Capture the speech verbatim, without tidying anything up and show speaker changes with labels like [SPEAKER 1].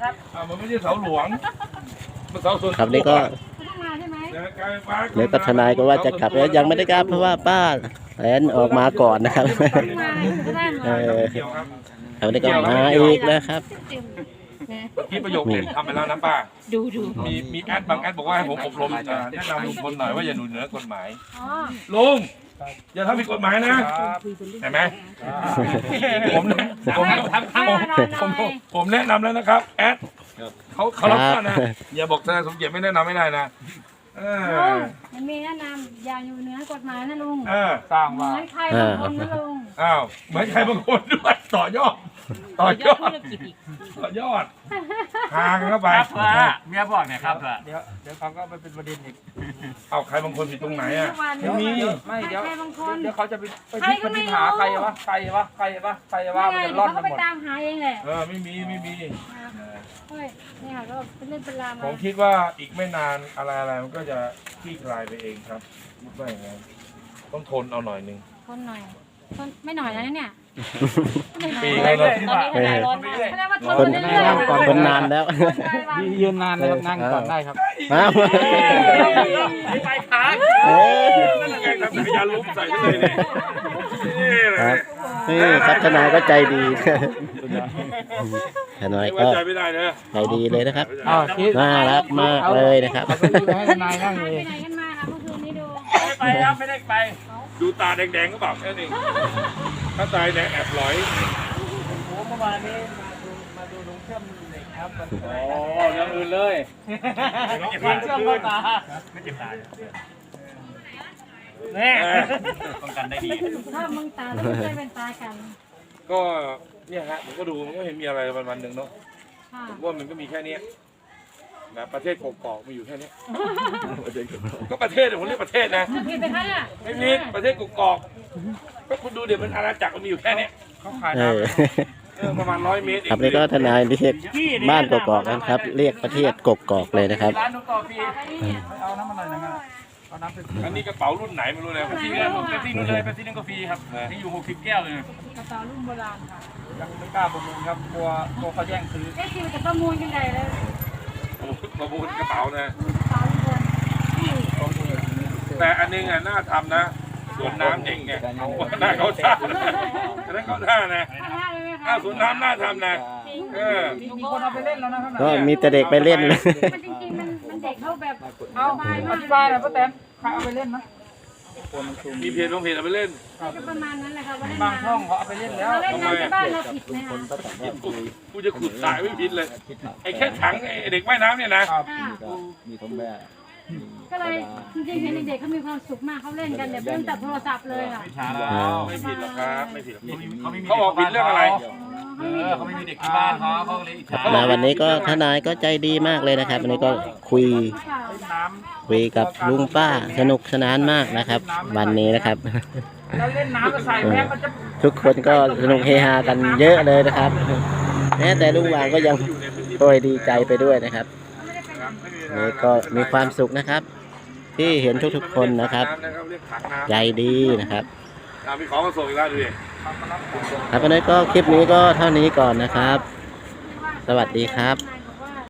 [SPEAKER 1] ครับอ่ามันไม่ใช่เสาหลวงมันเสาส่วน
[SPEAKER 2] ครับนี่ก็เดี๋ยวก็ทนายก็ว่าจะกลับแล้วยังไม่ได้กลับเพราะว่าป้าแอนออกมาก่อนนะครับเออเขาได้ก็มาอีกนะครับ
[SPEAKER 1] ที่ประโยคเด็ดทำไปแล้วนะป้า
[SPEAKER 3] ดูดู
[SPEAKER 1] มีมีแอดบางแอดบอกว่าให้ผมอบรมแนะนำลุงพลหน่อยว่าอย่าหนุนเหนือกฎหมายลุงอย่าทำผิดกฎหมายนะเห็นไหมผมผมผมผมแนะนำแล้วนะครับแอดเขาเขารับฟังนะอย่าบอกทนายสมเกียรติไม่แนะนำไม่ได้นะเออ
[SPEAKER 3] มันมีแนะนำอย่าอยู่เหนือกฎหมายนะลุง
[SPEAKER 1] เออสร้าง
[SPEAKER 3] เหมื
[SPEAKER 1] มา
[SPEAKER 3] อนใครบางคนนะลุง
[SPEAKER 1] อ้าวเหมือนใครบางคนด้วยต่อยอดต่อยอดต่อยอดหางเข้าไป
[SPEAKER 4] เมียบอกเนี่ยครับเดี๋ยว
[SPEAKER 5] เดี๋ยวเขาก็ไปเป็นประเด็นอีก
[SPEAKER 1] เอาใครบางคนผิดตรงไหนอ่ะ
[SPEAKER 3] ไม่มี
[SPEAKER 5] ไม่เดี๋ยว
[SPEAKER 3] ใครบางคน
[SPEAKER 5] เดี๋ยวเขาจะไปไปพิพากษาใครวะใครวะใครวะใครวะมันจะร่อน
[SPEAKER 3] เขา
[SPEAKER 5] ไป
[SPEAKER 3] ก็
[SPEAKER 5] หม
[SPEAKER 3] ไป
[SPEAKER 5] ด
[SPEAKER 3] ตามหาเองแหละ
[SPEAKER 1] เออไม่มีไม่มี
[SPEAKER 3] เฮ้ยนี่ค่ะก็เป็นเรื่องเป็นราวมา
[SPEAKER 1] ผมคิดว่าอีกไม่นานอะไรอะไรมันก็จะคลี่คลายไปเองครับไม่อย่างนั้นต้องทนเอาหน่อยนึง
[SPEAKER 3] คนหน่อยคนไม่หน่อยนะเนี่ย
[SPEAKER 1] ปีแล้วเนอะ
[SPEAKER 3] ตอนนี้ทนายร้อนมากแสดงว่าทน
[SPEAKER 2] คน
[SPEAKER 3] เรื่อยๆ
[SPEAKER 2] คนนานแล้ว
[SPEAKER 5] ยืนนานนะครับนั่งก่อนได้ครับ
[SPEAKER 2] อ้าว
[SPEAKER 4] ไปขา
[SPEAKER 2] เอ้ย
[SPEAKER 1] นั่นไงทำจักรยานล้มใส่กันเลยเนี่ยนี่แห
[SPEAKER 2] ค
[SPEAKER 1] ละ
[SPEAKER 2] รับนี่ครับทนายก็ใจดีทนาย
[SPEAKER 1] ไว้
[SPEAKER 2] ก็
[SPEAKER 1] ใจไม่ได้นะ
[SPEAKER 2] ใจดีเลยนะครับ
[SPEAKER 5] อ้าวคิด
[SPEAKER 2] น่ารักมากเลยนะครับ
[SPEAKER 5] เอาไปให้ทนายนั่ง
[SPEAKER 3] หาย
[SPEAKER 5] เล
[SPEAKER 3] ไป
[SPEAKER 5] ย
[SPEAKER 3] ไหนกันมาคะเมื่อคืนนี้ดู
[SPEAKER 4] ไม่ไปครับไม่ได้ไป
[SPEAKER 1] ดูตาแดงๆก็บอกแค่นี้ถ้าตายแดงแอบหลอย
[SPEAKER 4] โอ้เมื่อวานนี้มาดูมาดูลุงเชื่อมเหล็กครับโอ้เรื่องอื่นเลยลุงเชื่อมเข้าตาไม่เจ็บตาเนี่ยป้องกันได้ดี
[SPEAKER 3] ถ้ามึงตาต้องใช้เป็นตากัน
[SPEAKER 1] ก็เนี่ยฮะผมก็ดูมันก็เห็นมีอะไรวันวันๆหนึ่งเนาะ
[SPEAKER 3] ค่ะ
[SPEAKER 1] ผมว่ามันก็มีแค่เนี้ยนะประเทศกกอกมีอยู่แค่เนี้ยก็ประเทศผมเรียกประเทศนะ
[SPEAKER 3] ผิดไปคะเนี่ย
[SPEAKER 1] ไม่ผิดประเทศกกอกก็คุณดูเดี๋ยวมันอาณาจักรมันมีอยู่แค่เนี้ย
[SPEAKER 5] เขาขาย
[SPEAKER 2] เอ
[SPEAKER 5] น้
[SPEAKER 2] อ
[SPEAKER 1] เออประมาณร้อยเมตรเอง
[SPEAKER 2] ครับนี่ก็ทนายเรียกบ้านกกอกนะครับ เรียกประเทศกกอกเลยนะครับ
[SPEAKER 4] ร้านนุ๊กต่อฟรี
[SPEAKER 5] เอาน้ำมันหน่อยนะเอาน้ำเป็น
[SPEAKER 1] อันนี้กระเป๋ารุ่นไหนไม่รู้เลย
[SPEAKER 4] ฟรีแล้วผมไปฟรีนู่นเลยไปฟรีนั่นก็ฟรีครับที่อยู่หกสิบแก้วเลย
[SPEAKER 3] กระเป๋ารุ่นโบราณค่ะ
[SPEAKER 5] ยังไม่กล้าประมูลครับกลัวกลัวเขาแย่งซื้อ
[SPEAKER 3] เอ๊ะคิวจะประมูลกันใหญ่เลย
[SPEAKER 1] ประมูลกระเป๋านะ
[SPEAKER 3] กระเป๋ารุ่นโบราณ
[SPEAKER 1] แต่อันนึงอ่ะน่าทำนะสวนน้ำเองไงหน้าเขาท่าอันนั้นเขาท่านะ
[SPEAKER 3] ข้างหน้าเลยไหมคะ
[SPEAKER 1] อ้าวสวนน้ำน่าทำนะเออ
[SPEAKER 5] มีคนเอาไปเล่นแล้วนะครับ
[SPEAKER 2] ก็มีแต่เด็กไปเล่นเลย
[SPEAKER 3] มันจริงๆมันมันเด็กเขาแบบ
[SPEAKER 5] เอา
[SPEAKER 3] สบาย
[SPEAKER 5] อ
[SPEAKER 3] มาก
[SPEAKER 5] ธิบายหน่อยป้าแตนใครเอาไปเล่นนะ
[SPEAKER 1] มีเพจบางเพจเอาไปเล่น
[SPEAKER 3] ก็ประมาณนั้นแหละค่ะว่าเล่น
[SPEAKER 5] บางช่องเขาเอาไปเล่นแล้ว
[SPEAKER 3] เราเล่นน้ำที่บ้านเราผิดไหมคะ
[SPEAKER 1] กูกูจะขุดสายไม่ผิดเลยไอ้แค่ถังไอ้เด็กว่ายน้ำเนี่ยนะ
[SPEAKER 5] ครับ
[SPEAKER 3] อ่า
[SPEAKER 6] มีท้องแม่
[SPEAKER 3] ก็เลยจริงๆเห็นเด็กๆเขามีความสุขมากเขาเล่นกันแบบไม่ต้องจับโทรศัพท์เลยค่ะ
[SPEAKER 1] ไม่ผิดหรอกครับไม่ผิดหรอก
[SPEAKER 4] เขาไม่มี
[SPEAKER 1] เขาบอกผิดเรื่องอะไร
[SPEAKER 4] เออเขาไม่มีเด็กที่บ้านเขาเขาเลยอิจฉา
[SPEAKER 2] มาวันนี้ก็ทนายก็ใจดีมากเลยนะครับ วันนี้ก็คุย
[SPEAKER 5] น้
[SPEAKER 2] คุยกับลุงป้าสนุกสนานมากนะครับ วันนี้นะครับ
[SPEAKER 5] ำแล้วเล่นน้ำก็ใส่แพ้มันจะ
[SPEAKER 2] ทุกคนก็สนุกเฮฮากันเยอะเลยนะครับแม้แต่ลุงหวางก็ยังโอยดีใจไปด้วยนะครับนี่ก็มีความสุขนะครับ ที่เห็นทุกๆคนนะครับใจดีนะครับ
[SPEAKER 1] มีของมาส่งอีกแล้วดูดิ
[SPEAKER 2] ครับวันนี้ก็คลิปนี้ก็เท่านี้ก่อนนะครับ สวัสดีครับ